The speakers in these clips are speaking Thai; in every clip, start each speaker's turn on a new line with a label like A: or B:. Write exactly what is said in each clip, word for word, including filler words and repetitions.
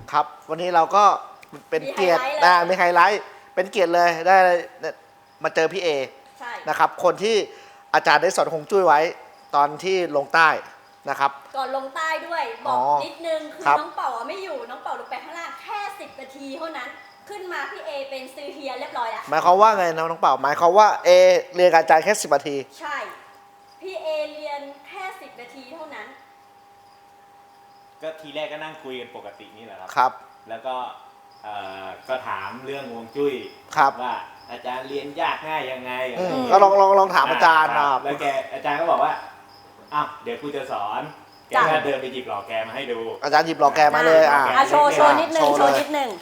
A: ครับวันนี้เราก็เป็นเกียรตินะมีไฮไลท์เป็นเกียรติเลยได้มาเจอพี่เอนะครับคนที่อาจารย์ได้สอนฮวงจุ้ยไว้ตอนที่ลงใต้นะครับ
B: ก่อนลงใต้ด้วยบอกนิดนึงคือน้องเป่าไม่อยู่น้องเป่าลงไปข้างล่างแค่สิบนาทีเท่านั้นขึ้นมาพี่เอเป็นซื้อเฮียเรียบร้อยแล้ว
A: หมายความว่าไงนะน้องเป่าหมายความว่าเอเรียนกับอาจารย์แค่สิบนาที
B: ใช่พี่เอเรียนแค่สิบนาทีเท่านั้น
C: ก็ทีแรกก็นั่งคุยกันปกตินี่แหละครับ
A: ครับ
C: แล้วก็ก็ถามเรื่องฮวงจุ้ยว่าอาจารย์เรียนยากง่ายยังไง
A: ก็ลองลองลองถามอาจารย์นะ
C: แล้วแกอาจารย์ก็บอกว่าอ้าวเดี๋ยวกูจะสอนแกก็เดินไปหยิบหล่อแกมาให้ดู
A: อาจารย์หยิบหล่อแกมาเลยอ่ะ
B: โชว์โชว์นิดนึงโชว์นิดนึง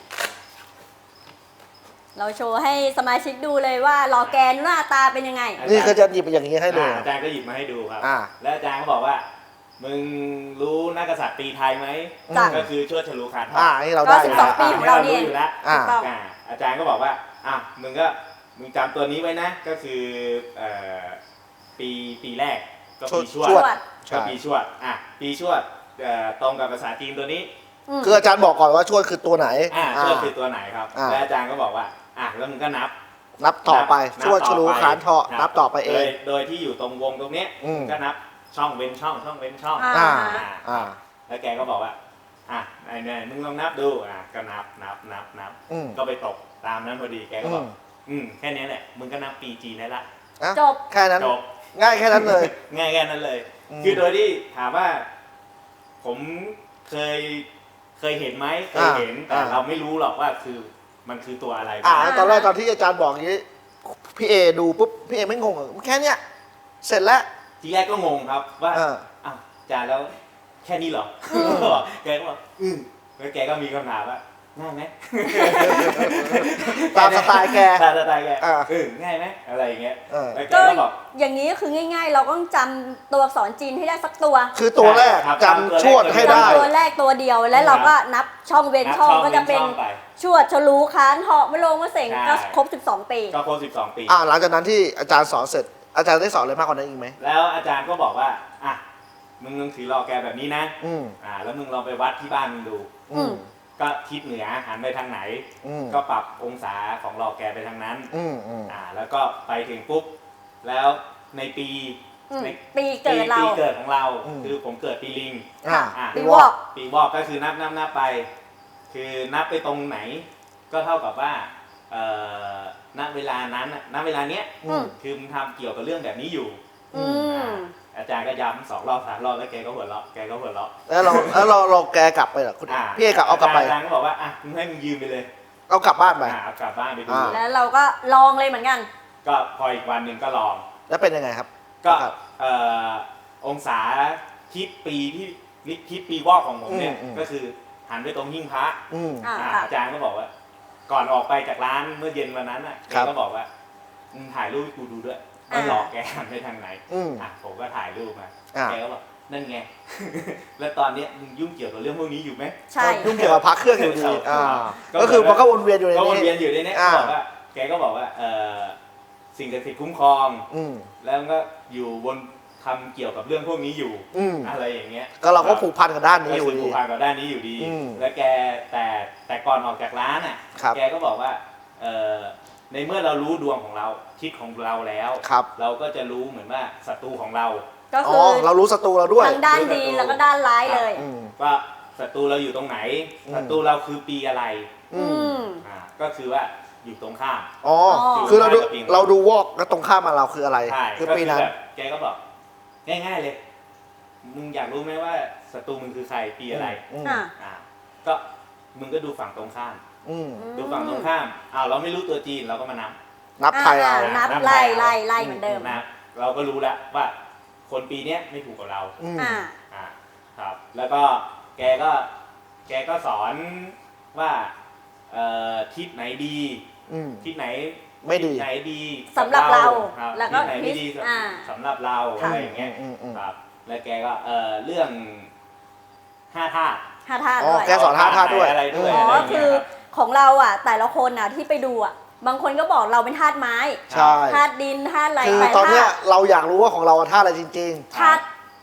B: เราโชว์ให้สมาชิกดูเลยว่าหล่อแกนหน้าตาเป็นยังไง
A: นี่คือจะหยิบอย่างนี้ให้ดู
C: อาจารย์ก็หยิบมาให้ดูครับแล้วอาจารย์ก็บอกว่ามึงรู้นักกษัตริย์ปีไทยไหมก็คือชวดฉลูขานทอง
A: อ่านี่เราได้
B: สิบสองปีของเราเนี่ย
C: อยู่แล้วอาจารย์ก็บอกว่าอ่ะมึงก็มึงจำตัวนี้ไว้นะก็คือปีปีแรกก็ปีชวดก็ปีชวดอ่ะปีชวดตรงกับภาษาจีนตัวนี้
A: คืออาจารย์บอกก่อนว่าชวดคือตัวไหน
C: อ่าชวดคือตัวไหนครับแล้วอาจารย์ก็บอกว่าอ่ะแล้วมึงก็นับ
A: นับต่อไปชวดฉลูขานทองนับต่อไปเอง
C: โดยที่อยู่ตรงวงตรงนี้ก็นับช่องเว้นช่องช่องเว้นช่อง
A: อ่า
C: อ่าแล้วแกก็บอกว่าอ่ะไอ้เนี่ยมึงลองนับดูอ่ะก็นับนับนับนับก็ไปตกตามนั้นพอดีแกก็บอกอืมแค่นี้แหละมึงก็นับปีจีนได้ละ
B: จบ
A: แค่นั้น
C: จบ
A: ง่ายแค่นั้นเลย
C: ง่ายแค่นั้นเลยคือโดยที่ถามว่าผมเคยเคยเห็นไหมเคยเห็นแต่เราไม่รู้หรอกว่าคือมันคือตัวอะไร
A: อ่าตอนแรกตอนที่อาจารย์บอกอย่างนี้พี่เอดูปุ๊บพี่เอไม่งงเหรอแค่เนี้ยเสร็จแล้ว
C: ทีแรกก็งงครับว่าอ้าวอาจารย์แล้วแค่นี้เหรอแกก็บอกอืมแล้วแกก็มีคำถามว่าง่ายไหม
A: ตามสไตล์แก
C: ตามสไตล์แกเออง่ายไหมอะไรอย่างเงี้ยแล้วแกก็บอก
B: อย่างนี้คือง่ายๆเราต้องจำตัวอักษรจีนให้ได้สักตัว
A: คือตัวแรกจำชวดให้ได้
B: ตัวแรกตัวเดียวแล้วเราก็นับช่องเว้นช่องก็จะเป็นชวดฉลูขานเหาะมะโรงมะเสงก็ครบสิบสองปี
C: ก็ครบสิบสองปี
A: อ่าหลังจากนั้นที่อาจารย์สอนเสร็จอาจารย์ได้สอนอะไรมากกว่านั้นอีกไหม
C: แล้วอาจารย์ก็บอกว่าอ่ะมึงลองถือหล่อแกแบบนี้นะอ่าแล้วมึงลองไปวัดที่บ้านมึงดูก็ทิศเหนือหันไปทางไหนก็ปรับองศาของหล่อแกไปทางนั้นอ่าแล้วก็ไปถึงปุ๊บแล้วในปี
B: ในปีเกิดเรา
C: ปีเกิดของเราคือผมเกิดปีลิง
B: ปีวอก
C: ปีวอกก็คือนับนับนับไปคือนับไปตรงไหนก็เท่ากับว่าณเวลานั้นณเวลาเนี้ยคือมึงทำเกี่ยวกับเรื่องแบบนี้อยู่อาจารย์ก็ย้ำสองรอบสามรอบแล้วแกก็หัวเราะแกก็หัวเราะ
A: แล้วเราแล้วเราเราแกกลับไปเหรอคุณพี่เอกเอากลับไป
C: อาจารย์ก็บอกว่าอ่ะมึงให้มึงยืมไปเลย
A: เอากลับบ้านไป
C: เอากลับบ้านไปดู
B: แล้วเราก็ลองเลยเหมือนกัน
C: ก็พออีกวันหนึ่งก็ลอง
A: แล้วเป็นยังไงครับ
C: ก็องศาทิศปีที่ทิศปีวอกของผมเนี่ยก็คือหันไปตรงหิ้งพระอาจารย์ก็บอกว่าก่อนออกไปจากร้านเมื่อเย็นวันนั้นอ่ะแกก็บอกว่ามึงถ่ายรูปให้กูดูด้วยว่าหลอกแกหันไปทางไหนอ่ะผมก็ถ่ายรูปมาแกก็บอกนั่นไงแล้วตอนนี้มึงยุ่งเกี่ยวกับเรื่องพวกนี้อยู่ไหม
B: ใช่
A: ยุ่งเกี่ยวกับพระเครื่องอยู่ดีก็คือมันก็วนเวียนอยู่ในนี้
C: ก็วนเวียนอยู่ในนี้บอกว่าแกก็บอกว่าสิ่งศักดิ์สิทธิ์คุ้มครองแล้วก็อยู่บนทำเกี่ยวกับเรื่องพวกนี้อยู่อะไรอย่างเงี้ย
A: ก็เราก็ผูกพันกับด้านนี้อยู่ดี
C: ผูกพันกับด้านนี้อยู่ดีแล้วแกแต่แต่ก่อนออกจากร้านอ่ะแกก็บอกว่าในเมื่อเรารู้ดวงของเราทิศของเราแล้วเราก็จะรู้เหมือนว่าศัตรูของเรา
B: ก็คือ
A: เรารู้ศัตรูเราด้วย
B: ทั้งด้านดีแล้วก็ด้านร้ายเลย
C: ว่าศัตรูเราอยู่ตรงไหนศัตรูเราคือปีอะไรอ่าก็คือว่าอยู่ตรงข้าม
A: อ๋อคือเราดูเราดูวอกแล้วตรงข้ามมาเราคืออะไร
C: คือปีนั้นแกก็บอกง่ายๆเลยมึงอยากรู้ไหมว่าศัตรูมึงคือใครปีอะไรอ่าก็มึงก็ดูฝั่งตรงข้ามดูฝั่งตรงข้ามอ้าวเราไม่รู้ตัวจีนเราก็มานับ
A: นับไทยเอา
B: นับไล่ไล่ไล่เหมือนเดิม
C: นะเราก็รู้แล้วว่าคนปีนี้ไม่ถูกกับเรา
B: อ่า
C: อ่าครับแล้วก็แกก็แกก็สอนว่าเอ่อทิศไหนดีทิศไหน
A: ไม่ดี
C: ไหนดี
B: สำหรับเรา
C: แล้วก็ทิศไหนไม่ดีสำหรับเราอะไรอย่างเงี้ยครับแล้วแกก็เอ่อเรื่องห้าธาตุ
B: ห้าธาตุ
A: ด้วยแกสอนห้าธาตุด้วย
C: อะไรด้วย
B: อ๋อคือของเราอ่ะแต่ละคนอ่ะที่ไปดูอ่ะบางคนก็บอกเราเป็นธาตุไม้
A: ใช่
B: ธาตุดินธาตุอะไร
A: คือตอนนี้เราอยากรู้ว่าของเราธาตุอะไรจริง
B: ๆธาตุ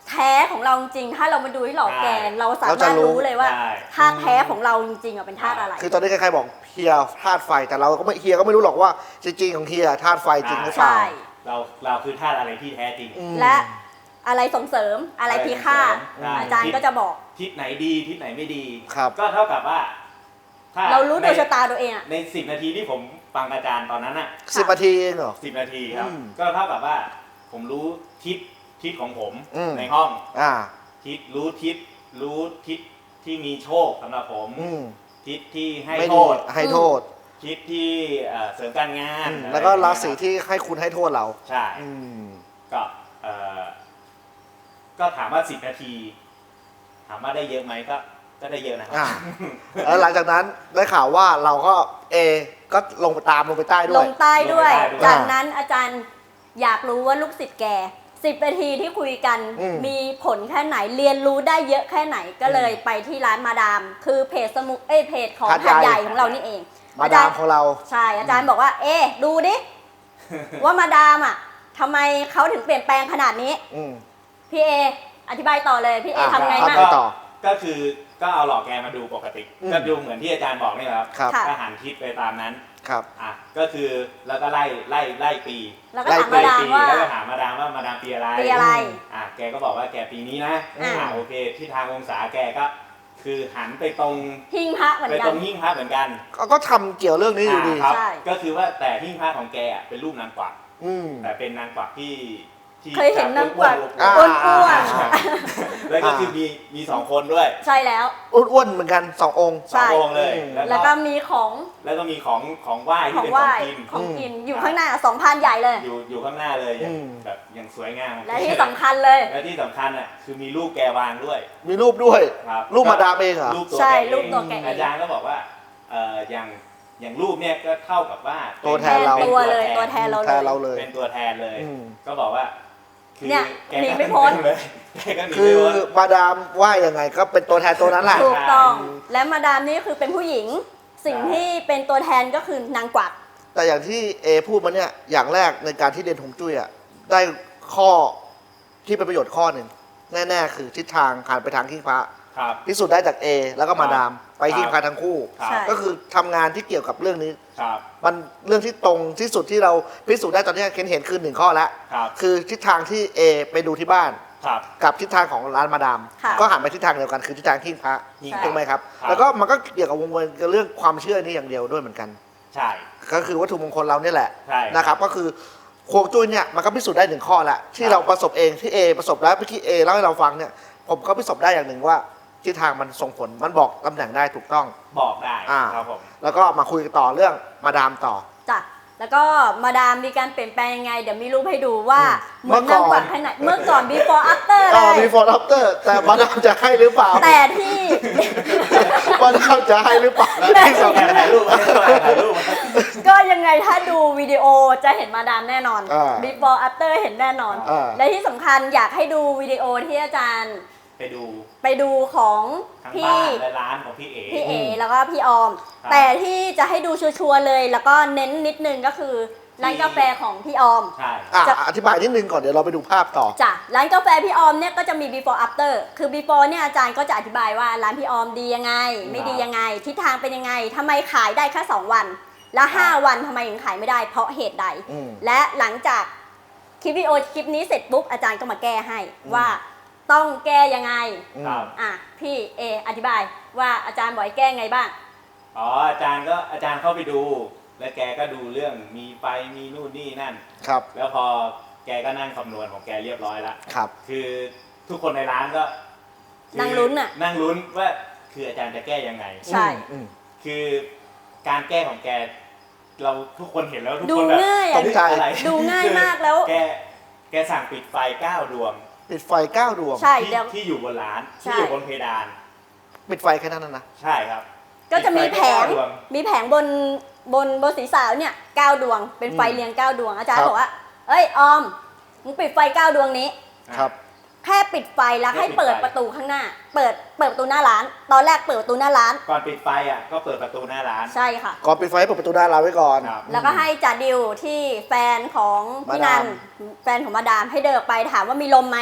B: แท้ของเราจริงๆถ้าเรามาดูที่หล่อแกน
C: ใช่
B: เราสา
A: เราจะ
B: มารถ
A: รู้
B: รู้เลยว่า
C: ใช่
B: ธาตุแท้ของเราจริงๆอะเป็นธาตุอะไร
A: คือตอนนี้ใครๆบอกเฮียธาตุไฟแต่เราก็ไม่เฮียก็ไม่รู้หรอกว่าจริงๆของเฮียธาตุไฟจริงหรือเปล่า
B: ใช่
C: เราเราคือธาตุอะไรที่แท้จริง
A: อืม
B: และอะไรส่งเสริมอะไรพิฆาต
C: ใช่
B: อาจารย์ก็จะบอก
C: ทิศไหนดีทิศไหนไม่ดี
A: ครับ
C: ก็เท่ากับว่าถ้
B: เรารู้โดย
C: ใน
B: ชะตาตัวเองอะ
C: ในสิบนาทีที่ผมฟังอาจารย์ตอนนั้นอ่ะ
A: สิบนาทีเองเหรอ
C: สิบนาทีครับ
A: อืม
C: ก็เท่ากับว่าผมรู้ทิศทิศของผม
A: อืม
C: ในห้อง
A: อ่า
C: ทิศรู้ทิศรู้ทิศที่มีโชคสำหรับผม
A: อืม
C: ทิศที่ให้
A: ไม่
C: โท
A: ดี
C: ษ
A: ให้โทษ
C: ทิศที่เอ่อเสริมการงาน
A: อืม
C: อะไร
A: แล้วก็ราศี
C: อย่งเงี้ยคบ
A: ที่ให้คุณให้โทษเรา
C: ใช่
A: อืม
C: ก็เอ่อก็ถามว่าสิบนาที ถามว่าได้เยอะไหมก็ก็ได้เยอะนะครั
A: อ่า แล้วหลังจากนั้นได้ข่าวว่าเราก็เอก็ลงไปตามลงไปใต้ด้
B: ล
A: วย
B: งใต้ด้วย
C: ลงใต้ด้วย
B: จากนั้นอาจารย์อยากรู้ว่าลูกศิษย์แกสิบนาทีที่คุยกัน
A: อืม
B: มีผลแค่ไหนเรียนรู้ได้เยอะแค่ไหนก็เลยไปที่ร้านมาดาม คือเพจสมุเอ้ยเพจของ
A: หาด
B: หาด
A: ให
B: ให
A: ญ่
B: ญ่ของเรานี่เอง
A: มาดามของเรา
B: ใช่อาจารย์บอกว่า เอ๊ะดูดิ ว่ามาดามอ่ะทำไมเขาถึงเปลี่ยนแปลงขนาดนี้
A: อืม
B: พี่เออธิบายต่อเลยพี่เอ
A: อ่ะ
B: ทำไง
A: ครับ
B: บ้าง
A: ไปต่อ
C: ก็คือก็เอาหลอกแกมาดูปกติ
A: อืม
C: ก็ดูเหมือนที่อาจารย์บอกนี่แหละครับ
A: ครับ
B: ค่ะ
C: ก็หันทิศไปตามนั้น
A: ครับ
C: อ่ะก็คือแล้วก็ไล่ไล่ไล่ปี
B: แล้วก็ถามมา
C: ไล่
B: ดาม
C: ปี
B: ว่า
C: แล้วก็ถามมาดามว่ามาดามปีอะไร
B: ปีอะไร
C: อ่ะแกก็บอกว่าแกปีนี้นะ
B: อ่า
C: อ่ะโอเคที่ทางองศาแกก็ คือหันไปตรง
B: หิ้งพระเหมือน
C: ไป
B: กั
C: ตร
B: น
C: งหิ้งพระเหมือนกัน
A: ก็ก็ทำเกี่ยวเรื่องนี้อยู่ดี
C: าครับ
B: ใช่
C: ก็คือว่าแต่หิ้งพระของแกอ่ะเป็นรูปนางกวัก
A: อืม
C: แต่เป็นนางกวักที่ที่
B: เคยเห็นนางกวัก
C: อ้
A: อ่า
C: วน
B: อ้วน
C: ๆแล้วก็คือมีมีสองคนด้วย
B: ๆใช่แล้ว
A: อ้วนๆเหมือนกันสององค์
C: สององค์เลย
A: อืม
B: แล้วก็มีของ
C: แล้วก็มีของของไหว้
B: ข
C: ที่
B: อง
C: เป็น
B: ไห
C: ข
B: ว้
C: องกิน
B: ของกินอยู่ข้างหน้าสองพันใหญ่เลย
C: อยู่อยู่ข้างหน้าเลยอย่าง
A: อืม
C: แบบอย่างสวยงาม
B: และที่สำคัญเลย
C: และที่สำคัญอ่ะคือมีรูปแกวางด้วย
A: มีรูปด้วย
C: ครับ
A: รูปมาดามเองเหรอ
C: รูปตัว
B: ใช่
C: แกเอง
B: รูปตัวแกเอง
C: อาจารย์ก็บอกว่าเอ่ออย่างอย่างรูปเนี่ยก็เท่ากับว่า
A: ตัวแทนเรา
B: แทนตัวเลยตัวแทนเรา
A: แทนเราเลย
C: เป็นตัวแทนเลย
A: อืม
C: ก็บอกว่าคือ
B: เนี่ย
C: แก
B: หนี
C: ก็
B: ไม่พ้น
C: เลยแกก็หนี
A: คื
C: ไม่
A: อ
C: พ้น
A: มาดามว่ายังไงก็เป็นตัวแทนตัวนั้นแหละ
B: ถูกต้อง
A: ใช่
B: และมาดามนี่คือเป็นผู้หญิง สิ่ง
C: ใช่
B: ที่เป็นตัวแทนก็คือนางกวัก
A: แต่อย่างที่เอพูดมาเนี่ยอย่างแรกในการที่เรียนฮวงจุ้ยอ่ะได้ข้อที่เป็นประโยชน์ข้อหนึ่งแน่ๆคือทิศทางหันไปทางขี้พระ
C: ครับ
A: พิสูจน์ได้จากเอแล้วก็มาดามไปขี้
C: ครับ
A: พระทั้งคู่
C: ครับ
B: ใช่
A: ก็คือทำงานที่เกี่ยวกับเรื่องนี้
C: ครับ
A: มันเรื่องที่ตรงที่สุดที่เราพิสูจน์ได้ตอนนี้เห็นเห็นคือหนึ่งข้อแล้ว
C: ครับ
A: คือทิศทางที่เอไปดูที่บ้าน
C: ครับ
A: กับทิศทางของร้านมาดาม
B: ค่ะ
A: ก็หันไปทิศทางเดียวกันคือทิศทางขี้พระ
B: ใช่
A: ถูกไหมครับ
C: ครับ
A: แล้วก็มันก็เกี่ยวกับวงเงินกับเรื่องความเชื่อนี่อย่างเดียวด้วยเหมือนกัน
C: ใช่
A: ก็คือวัตถุมงคลเราเนี่ยแหละ
C: ใช่
A: นะครับก็คือฮวงจุ้ยเนี่ยมันก็พิสูจน์ได้หนึ่งข้อแล้วที่
C: ครับ
A: เราประสบเองที่เอประสบแล้วเมื่อกี้เอเล่าให้เราฟังเนี่ยผมก็พิสูจน์ได้อย่างหนึ่งว่าทิศทางมันส่งผลมันบอกตำแหน่งได้ถูกต้อง
C: บอกได้
A: อ่า
C: ครับผม
A: แล้วก็มาคุยกันต่อเรื่องมาดามต่อ
B: จ้ะแล้วก็มาดามมีการเปลี่ยนแปลงยังไง เดี๋ยวมีรูปให้ดูว่า
A: อืม
B: เหมือนนางกวัก
A: เมื่อก่อน
B: ขนาดเมื่อก่อน before after เล
A: อ่าย before after แต่มาดามจะให้หรือเปล่า
B: แต่ที่
A: มาดามจะให้หรือเปล่า
C: แล้ว
A: ที่สำ
C: แก
A: คัญ
C: ถ่ายรูปไว้ถ่ายรูปไว้
B: ก็ยังไงถ้าดูวิดีโอจะเห็นมาดามแน่นอน
A: อ่า
B: before after เห็นแน่นอน
A: อ่า
B: และที่สำคัญอยากให้ดูวิดีโอที่อาจารย์
C: ไปดู
B: ไปดูของ
C: ทั้ง
B: พี่
C: บ้านและร้านของพี่เอ๋
B: พี่เอ
A: อืม
B: แล้วก็พี่ออม
C: ครับ
B: แต่ที่จะให้ดูชัวร์ๆเลย แล้วก็เน้นนิดนึงก็คือร้านกาแฟของพี่ออม
C: ใช่
A: อ่ะ
B: จะ
A: อธิบายนิดนึงก่อนเดี๋ยวเราไปดูภาพต่อ
B: จ้ะร้านกาแฟพี่ออมเนี่ยก็จะมี before after คือ before เนี่ยอาจารย์ก็จะอธิบายว่าร้านพี่ออมดียังไง ไม่ดียังไง ทิศทางเป็นยังไงทำไมขายได้แค่สองวัน แล้วห้าวันทำไมถึงขายไม่ได้เพราะเหตุใด
A: อืม
B: และหลังจากคลิปวิดีโอคลิปนี้เสร็จปุ๊บอาจารย์ก็มาแก้ให้ว่าต้องแก้ยังไง
A: อืม
C: ครับ
B: อ่ะพี่เออธิบายว่าอาจารย์บอกให้แก้ไงบ้าง
C: อ๋ออาจารย์ก็อาจารย์เข้าไปดู แล้วแกก็ดูเรื่องมีไฟมีนู่นนี่นั่น
A: ครับ
C: แล้วพอแกก็นั่งคำนวณของแกเรียบร้อยแล้ว
A: ครับ
C: คือทุกคนในร้านก็คือ
B: นั่งลุ้นน่ะ
C: นั่งลุ้นว่าคืออาจารย์จะแก้ยังไง
B: ใช่
A: อืม
C: คือการแก้ของแก เราทุกคนเห็นแล้วทุก
B: ดู
C: คนแบบ
B: ง่าย
A: ต
B: อ่ะ
A: กใจ
C: อะไร
B: ดูง่ายมากแล้ว
C: แกแกสั่งปิดไฟเก้าดวง
A: ปิดไฟเก้าดวง
B: ใช่
C: ที่
B: เดี๋ยว
C: ที่อยู่บนร้าน
B: ใช่
C: ที่อยู่บนเพดาน
A: ปิดไฟแค่นั้นนะนะ
C: ใช่ครับ
B: ก็จะมีแผง
C: ปิดไฟเก้าดวง
B: มีแผงบนบนบนศีรษะเนี่ยเก้าดวง เป็นไฟ
A: อืม
B: เรียงเก้าดวง อาจารย์
A: ครับ
B: บอกว่า เอ้ยออม มึงปิดไฟเก้าดวงนี้
A: ครับ
B: แค่ปิดไฟแล้ว
C: แค่
B: ให้
C: ปิดไฟ
B: เปิดประตูข้างหน้า เปิดเปิดประตูหน้าร้าน ตอนแรกเปิดประตูหน้าร้าน
C: ก่อนปิดไฟอ่ะก็เปิดประตูหน้าร้าน
B: ใช่ค่ะ
A: ก่อนปิดไฟให้เปิดประตูด้านเราไว้ก่อน
C: ครับ
B: แล้วก็ให้จ่าดิวที่แฟนของพี่
A: มา
B: นั
A: ดาม
B: นแฟนของมาดามให้เดินออกไปถามว่ามีลมไหม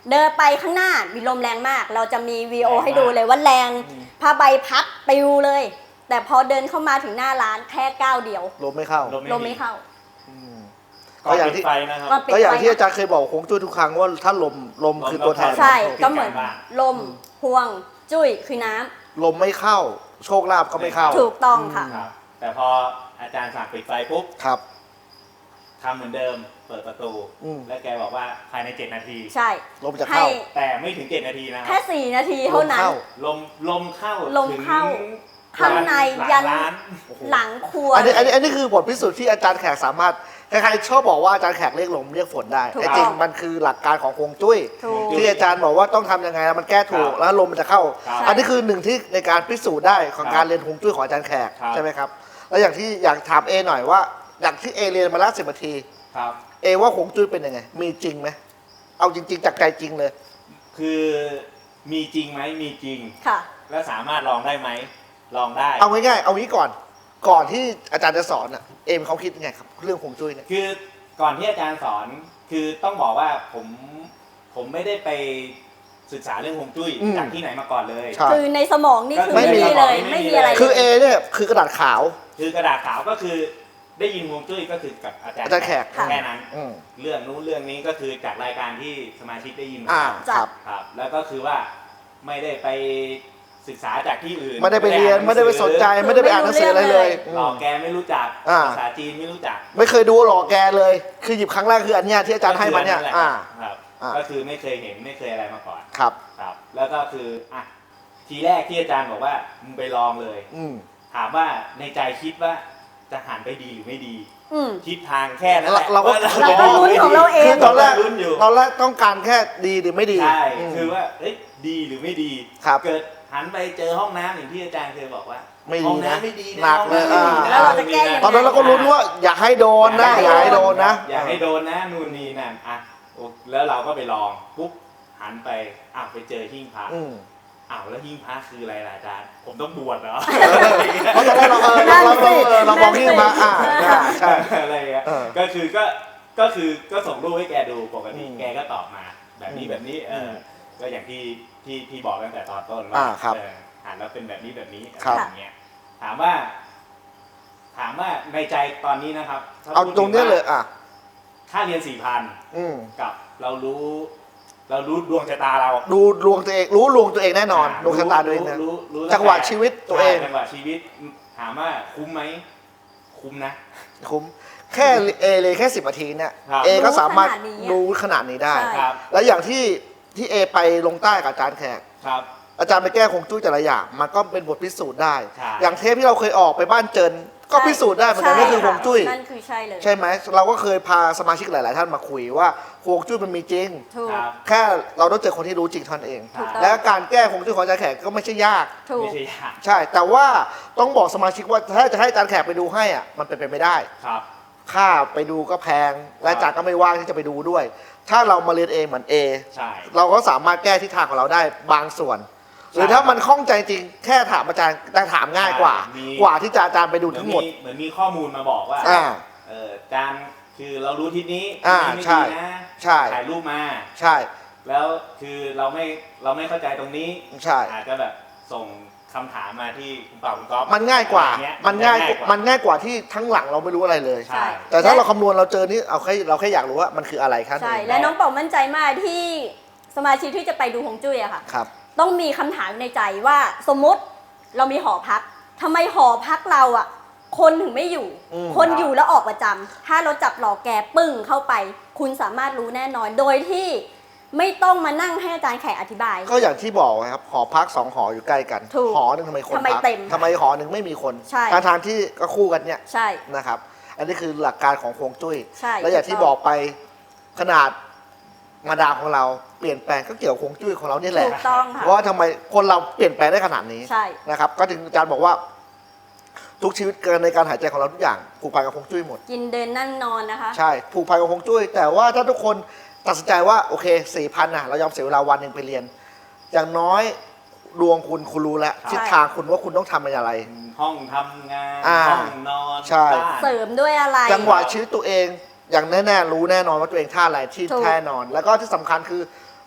B: เดินไปข้างหน้ามีลมแรงมาก เราจะมีวีดีโอให้ดูเลยว่าแรงผ้าใบพัดปลิวเลย แต่พอเดินเข้ามาถึงหน้าร้านแค่ก้าวเดียว
A: ลมไม่เข้า
B: ลมไม่เข้า
A: อืม
C: ก็อย่างที่ไฟนะครับ
B: ก็ปิด
A: ก็อย่างที่
B: ไฟ
A: อาจารย์เคยบอกฮวงจุ้ยทุกครั้งว่าถ้าลมลมคือตัวแทน
B: ใช่
C: ของ
B: ก็เหมือน
C: การบ้าน
B: ลมห่วงจุ้ยคือน้ำ
A: ลมไม่เข้า โชคลาภก็ไม่เข้า
B: ถูกต้องค่ะ
C: ครับ แต่พออาจารย์สั่งปิดไฟปุ๊บ
A: ครับ
C: ทำเหมือนเดิม เปิดประตู
A: อืม
C: แล้วแกบอกว่าภายในเจ็ดนาที
B: ใช่
A: ลมจะ
B: ให้
A: เข้า
C: แต่ไม่ถึงเจ็ดนาทีนะค
B: แค่
C: รับ
B: สี่นาทีเท่านั้น
C: ลมลมเข้า
B: ลมเข้า
C: ถึ
B: ข้างใน
C: หลั
B: ยัน
C: ร้าน
B: หลังครัว
A: อันนี้อันนี้อันนี้คือบทพิสูจน์ที่อาจารย์แขกสามารถใครๆชอบบอกว่าอาจารย์แขกเรียกลมเรียกฝนได้
B: ถูก
A: แต่จริง
B: ต้อง
A: มันคือหลักการของฮวงจุ้ย
B: ถูก
A: ที่อาจารย์บอกว่าต้องทำยังไงแล้วมันแก้ถูก
C: ครับ
A: แล้วลมมันจะเข้า
C: ครับ
A: อันนี้คือหนึ่งที่ในการพิสูจน์ได้ของ
C: ครับ
A: การเรียนฮวงจุ้ยของอาจารย์แขก
C: ครับ
A: ใช่ไหมครับแล้วอย่างที่อยากถามเอหน่อยว่าอย่างที่เอเรียนมาละสิบนาที
C: ครับ
A: เอว่าฮวงจุ้ยเป็นยังไง มีจริงไหมเอาจริง ๆ จากใจจริงเลย
C: คือมีจริงไหมมีจริง
B: ค่ะ
C: แล้วสามารถลองได้ไหมลองได้
A: เอาง่ายๆเอางี้ก่อน ก่อนที่อาจารย์จะสอนอ่ะเอมเขาคิดยังไงครับเรื่องฮวงจุ้ยเนี่ย
C: คือก่อนที่อาจารย์สอนคือต้องบอกว่าผมผมไม่ได้ไปศึกษาเรื่องฮวงจุ้ย
A: อืม
C: จากที่ไหนมาก่อนเลย
A: ใช่
B: คือในสมองนี่คือ
A: ไม่
B: ไม่
A: มี
B: มีเลย
C: ไม่
B: ไม่
C: มี
B: มีอะไร
A: คือเอ
B: เลย
A: เนี่ยคือกระดาษขาว
C: คือกระดาษขาวก็คือได้ยินฮวงจุ้ยก็คือกับอาจารย์
A: อาจารย์แขก
C: แค่นั้น
A: อืม
C: เรื่องนู้นเรื่องนี้ก็คือจากรายการที่สมาชิกได้ยินมา
A: อ่าครับ
C: ครับ แล้วก็คือว่าไม่ได้ไปศึกษาจากที่อื่น
A: ไม่ได้ไปเรียนไม่ได้ไปสนใจไม่ได้ไปอ่านหนังสืออะไรเลย
C: หลอกแกไม่รู้จัก
A: อ่า
C: ภาษาจีนไม่รู้จัก
A: ไม่เคยดูหรอกแกเลย คือหยิบครั้งแรกคืออันเนี้ยที่อาจารย์ให้มาเนี่ย
C: ก็คือ
A: อ่า
C: แหละครับ
A: อ่า
C: ก็คือไม่เคยเห็นไม่เคยอะไรมาก่อน
A: ครับ
C: ครับ แล้วก็คืออ่ะทีแรกที่อาจารย์บอกว่ามึงไปลองเลย
A: อืม
C: ถามว่าในใจคิดว่าจะหันไปดีหรือไม่ดี
B: อืม
C: ทิศทางแค่นั้นแหละ
A: เราก็
C: ว่
B: เราก็ลุ้นของเราเอง
A: คือตอนแรก
C: ลุ้นอยู่
A: ตอนแรกต้องการแค่ดีหรือไม่ดี
C: ใช่
A: ม
C: คือว่าเอ้ยดีหรือไม่ดี
A: ครับ
C: เกิดหันไปเจอห้องน้ำอย่างที่อาจารย์เคยบอกว่า
A: ไม่ดี
C: ห้อง
A: นะ
C: น้ำไม่ดี
A: หนักเลย
C: ห้องน้ำไม่ดี
A: อ่า
C: นะ
B: แล้วเราจะแก้ยังไง
A: ตอนนั้นเราก็รู้นว่าอย่าให้โดนนะอย่าให้โดนนะ
C: อย่าให้โดนนะนู่นนี่นั่นอ่ะโอ้แล้วเราก็ไปลองปุ๊บหันไปอ้าวไปเจอหิ้งพระ
A: อืม
C: อ้าวแล้วหิ้งพระคืออะไรล่ะอาจารย์ผมต้องบวชเหรอ
A: เพราะตอนแรกเราเออเราเราเราเออเรามองที่มาอ่าใช่
C: อะไรเงี้ย
A: เออ
C: ก็คือก็ก็คือก็ส่งรูปให้แกดูปกติ
A: อืม
C: แกก็ตอบมาแบบนี้
A: อืม
C: แบบนี้เออ
A: ม
C: ก็อย่างที่ที่ที่บอกตั้งแต่ตอนต้น
A: อ่า
C: ว่า
A: ครับ
C: เอออ่านแล้วเป็นแบบนี้แบบนี้อะ
A: ครั
C: ไร
A: บ
C: อย่างเงี้ยถามว่า ถามว่าในใจตอนนี้นะครับถ้
A: เอา
C: พูด
A: ตรงเนี้ยเลยอ่ะ
C: ค่าเรียนสี่พัน
A: อืม
C: กับเรารู้ เรารู้ดวงชะตาเรา
A: ดูดวงตัวเองรู้ดวงตัวเองแน่นอนดวงชะตาตัวเองนะ
C: รู้รู้
A: จังหวะชีวิตตัวเอง
C: ใช่จังหวะชีวิต ถามว่าคุ้มไหมคุ้มนะ
A: คุ้มแค่เอเลยแค่สิบนาทีเนี่ย
C: ครับ
A: เอก็สามารถ
B: รู้ขนาดนี้อะ
A: รู้ขนาดนี้ได้
B: ใช่
C: ครับ
A: แล้วอย่างที่ที่เอไปลงใต้กับอาจารย์แขก
C: ครับ
A: อาจารย์ไปแก้คงจุ้ยแต่ละอย่างมันก็เป็นบทพิสูจน์ได้
C: ใช่
A: อย่างเทปที่เราเคยออกไปบ้านเจินก็พิสูจน์ได้เหมือนกันนั่นคือฮวงจุ้ย
B: นั่นคือใช่เลย
A: ใช่ไหมเราก็เคยพาสมาชิกหลาย ๆ ท่านมาคุยว่าฮวงจุ้ยมันมีจริง
B: ถูก
C: ครับ
A: แค่เราต้องเจอคนที่รู้จริงเท่านั้นเอง
B: ถูกต้อง
A: และการแก้ฮวงจุ้ยของอาจารย์แขกก็ไม่ใช่ยาก
B: ถูก
C: ไม่ใช่ยาก
A: ใช่ แต่ว่าต้องบอกสมาชิกว่าถ้าจะให้อาจารย์แขกไปดูให้อ่ะมันเป็นไปไม่ได้
C: ครับ
A: ค่าไปดูก็แพง และอาจารย์ก็ไม่ว่างที่จะไปดูด้วย ถ้าเรามาเรียนเองเหมือนเอ
C: ใช่
A: เราก็สามารถแก้ทิศทางของเราได้บางส่วน หรือถ้ามันคล่องใจจริงแค่ถามอาจารย์ได้ถามง่ายกว่า กว่าที่จะอาจารย์ไปดูทั้งหมด
C: เหมือนมีข้อมูลมาบอกว่า
A: อ่า
C: เอออาจารย์คือเรารู้ทิศนี้
A: อ่า
C: ทิศนี้
A: ใช่
C: ไม่ดีนะ
A: ใช่
C: ถ่ายรูปมา
A: ใช่
C: แล้วคือเราไม่เราไม่เข้าใจตรงนี้
A: ใช่
C: อาจจะแบบส่งคำถามมาที่คุณเป่าคุณก๊อฟ
A: มันง่ายกว่า
C: อะไรเงี้
A: มันง่าย
C: จะ
A: มันง่ายกว่าที่ทั้งหลังเราไม่รู้อะไรเลย
C: ใช่
A: แต่ถ้าเราคำนวณเราเจอนี่เอาแค่เราแค่อยากรู้ว่ามันคืออะไรครับ
B: ใช่ และน้องเป่ามั่นใจมากที่สมาชิกที่จะไปดูฮวงจุ้ยอะค่ะ
A: ครับ
B: ต้องมีคำถามในใจว่าสมมติเรามีหอพักทำไมหอพักเราอะคนถึงไม่อยู่
A: อืม
B: คนอยู่แล้วออกประจำถ้าเราจับหลอกแกปึ้งเข้าไป คุณสามารถรู้แน่นอน โดยที่ไม่ต้องมานั่งให้อาจารย์แขกอธิบาย
A: ก็อย่างที่บอกครับหอพักสองหออยู่ใกล้กัน
B: ถูก
A: หอหนึ่งทำไมคน
B: ทำไม
A: พัก
B: เต็ม
A: ทำไมหอหนึ่งไม่มีคน
B: ใช่
A: ทางทางที่ก็คู่กันเนี่ย
B: ใช่
A: นะครับ อันนี้คือหลักการของฮวงจุ้ย
B: ใช่
A: และอย่างที่
B: ถูกต้อง
A: บอกไปขนาดมาดามของเราเปลี่ยนแปลงก็เกี่ยวกับฮวงจุ้ยของเรานี่แหละ
B: ถูกต้องค่ะ
A: เพราะว่าทำไมคนเราเปลี่ยนแปลงได้ขนาดนี้
B: ใช่
A: นะครับ ก็ถึงอาจารย์บอกว่า ทุกชีวิตในการหายใจของเราทุกอย่างผูกพันกับฮวงจุ้ยหมด
B: กินเดินนั่งนอนนะคะ
A: ใช่ผูกพันกับฮวงจุ้ยแต่ว่าถ้าทุกคนตัดสินใจว่าโอเคสี่พันนะเรายอมเสียเวลาวันหนึ่งไปเรียน อย่างน้อยดวงคุณคุณรู้แล้ว
B: ใช่
A: ทิศทางคุณว่าคุณต้องทำอะไร
C: ห้องทำงาน
A: อ่า
C: ห้องนอน
A: ใช่
C: บ้าน
B: เสริมด้วยอะไร
A: จังหวะชีวิตตัวเองอย่างแน่ๆรู้แน่นอนว่าตัวเองท่าอะไรที่
B: ถูก
A: แน่นอน แล้วก็ที่สำคัญคือ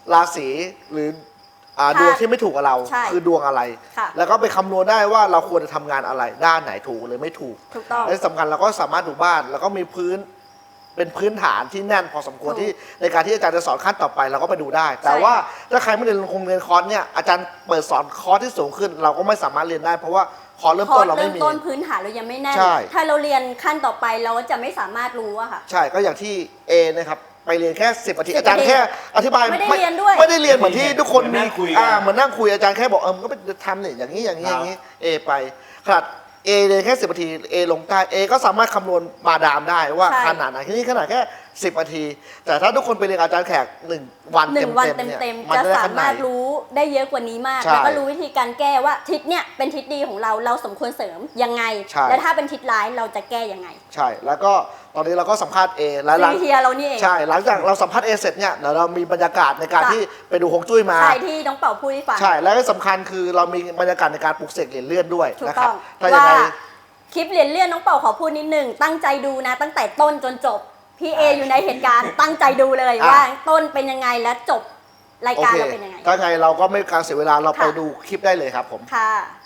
A: ราศีหรืออ่าดวงที่ไม่ถูกกับเรา
B: ใช่
A: คือดวงอะไร
B: ค่ะ
A: แล้วก็ไปคำนวณได้ว่าเราควรจะทำงานอะไรด้านไหนถูกหรือไม่ถูก
B: ถูกต้อง
A: และที่สำคัญเราก็สามารถดูบ้านแล้วก็มีพื้นเป็นพื้นฐานที่แน่นพอสมควร
B: ถูก
A: ที่ในการที่อาจารย์จะสอนขั้นต่อไปเราก็ไปดูได้ แต่
B: ใช่
A: ว่าถ้าใครไม่ได้ลงคงเรียนคอร์สเนี่ยอาจารย์เปิดสอนคอร์สที่สูงขึ้น เราก็ไม่สามารถเรียนได้ เพราะว่าคอร์สเริ่ม
B: คอ
A: ต้
B: ร์
A: น
B: ส
A: เรา
B: เริ่
A: ไม่
B: ม
A: มี
B: ต้นพื้นฐานเรายังไม่แน่น
A: ใช่
B: ถ้าเราเรียนขั้นต่อไปเราก็จะไม่สามารถรู้อะค่ะ
A: ใช่ก็อย่างที่ A นะครับไปเรียนแค่สิบนาที
B: สิบ
A: อาจารย์
B: นาที
A: แค่อธิบาย
B: ไม่ได้เรียนด้วย
A: ไม่ได้เรียนเหมือนที่ทุกคน
C: เหมือนนั่
A: มี
C: งคุยกัน
A: อ่าเหมือนนั่งคุยอาจารย์แค่บอกเออมันก็ไปทำเนี่ยอย่างนี้อย่างนี้อย่างนี้ A ไปขนาด A เรียนแค่สิบนาที A ลงใต้ A ก็สามารถคำนวณมาดามได้ว่า
B: ใช่
A: ขนาดไหนที่นี่ขนาดแค่สิบนาที แต่ถ้าทุกคนไปเรียนอาจารย์แขกหนึ่งวัน
B: หนึ่งวัน
A: เต็มๆเนี่ย
B: เต็ม
A: มัน
B: ๆจะ
A: ได้
B: สา
A: ขนา
B: มา
A: ด
B: รถรู้ได้เยอะกว่านี้มาก
A: ใช่
B: แล้วก็รู้วิธีการแก้ว่าทิศเนี่ยเป็นทิศดีของเราเราสมควรเสริมยังไง
A: ใช่
B: และถ้าเป็นทิศร้ายเราจะแก้ยังไง
A: ใช่ แล้วก็ตอนนี้เราก็สัมภาษณ์ A แล้วหลัง
B: ซีเฮียเรานี่เอง
A: ใช่หลังจากเราสัมภาษณ์ A เสร็จเนี่ยเดี๋ยวเรามีบรรยากาศในการ
B: จ้ะ
A: ที่ไปดูฮวงจุ้ยมา
B: ใช่ที่น้องเป่าพูดให้ฟัง
A: ใช่ และที่สำคัญคือเรามีบรรยากาศในการปลุกเสกเหรียญเลื่อนด้วย
B: ถูก
A: นะครั
B: ต้
A: บ
B: อง
A: ถ้ายัง
B: ว่า
A: ไง
B: คลิปเรียนเลื่อนน้องเป่าขอพูดนิดหนึ่งตั้งใจดูนะ ตั้งแต่ต้นจนจบพี่เออยู่ในเหตุการณ์ ตั้งใจดูเลย
A: อ่ะ
B: ว่าต้นเป็นยังไงและจบราย
A: โอ
B: การ
A: เค
B: เราเป็นยังไง
A: ถ้าไงเราก็ไม่การเสียเวลาเราไป
B: ค่ะ
A: ดูคลิปได้เลยครับผม
B: ค่ะ